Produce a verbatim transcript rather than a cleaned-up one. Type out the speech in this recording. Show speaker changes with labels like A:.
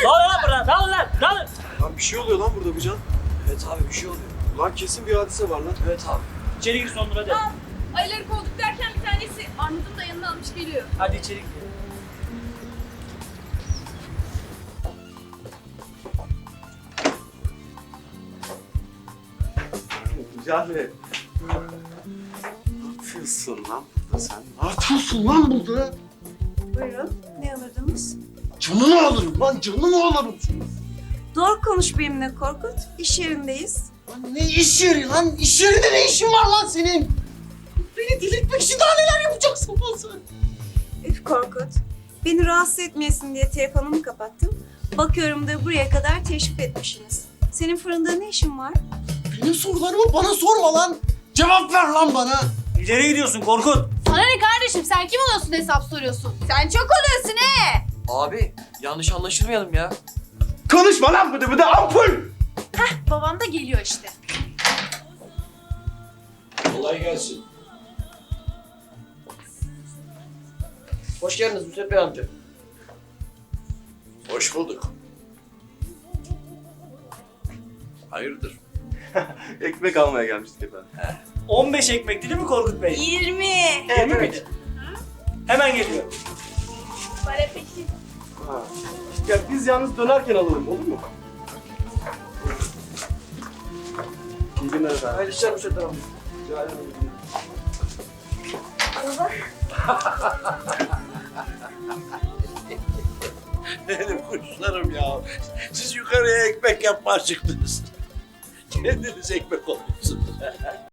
A: Ne oluyor lan burada? Dağılın lan, dağılın.
B: Lan bir şey oluyor lan burada Can.
C: Evet abi bir şey oluyor.
B: Lan kesin bir hadise var lan.
C: Evet abi.
A: İçeri gir Sondur hadi.
D: Aa, ayıları kovduk derken bir tanesi Armut'un da yanına almış geliyor.
A: Hadi içeri gir.
B: Cahil. Ne yapıyorsun lan burada sen? Ne yapıyorsun lan burada?
E: Buyurun, ne alırdınız?
B: Canını alırım lan, canını alırım.
E: Doğru konuş benimle Korkut. İş yerindeyiz.
B: Lan ne iş yeri lan? İş yerinde ne işin var lan senin? Beni delirtmek için daha neler yapacaksın lan sen?
E: Üf Korkut. Beni rahatsız etmeyesin diye telefonumu kapattım. Bakıyorum da buraya kadar teşrif etmişsiniz. Senin fırında ne işin var?
B: Benim sorularımı bana sorma lan. Cevap ver lan bana.
A: İleri gidiyorsun Korkut.
D: Sana ne kardeşim, sen kim oluyorsun hesap soruyorsun? Sen çok oluyorsun he.
C: Abi yanlış anlaşılmayalım ya.
B: Konuşma lan bıdı bıdı ampul.
D: Babam da geliyor işte.
F: Kolay gelsin.
C: Hoş geldiniz Müsait Bey amca.
F: Hoş bulduk. Hayırdır?
B: Ekmek almaya gelmiştik efendim.
A: on beş ekmek değil mi Korkut Bey?
E: Yirmi.
A: yirmi miydi? Hemen geliyor.
D: Para peki.
B: Ha. Ya biz yalnız dönerken alalım olur mu? İyi günler efendim.
C: Hayırlı işler Müsait Bey amca.
B: Rica ederim.
F: Benim kuşlarım ya. Siz yukarıya ekmek yapmaya çıktınız. Kendiniz ekmek olun.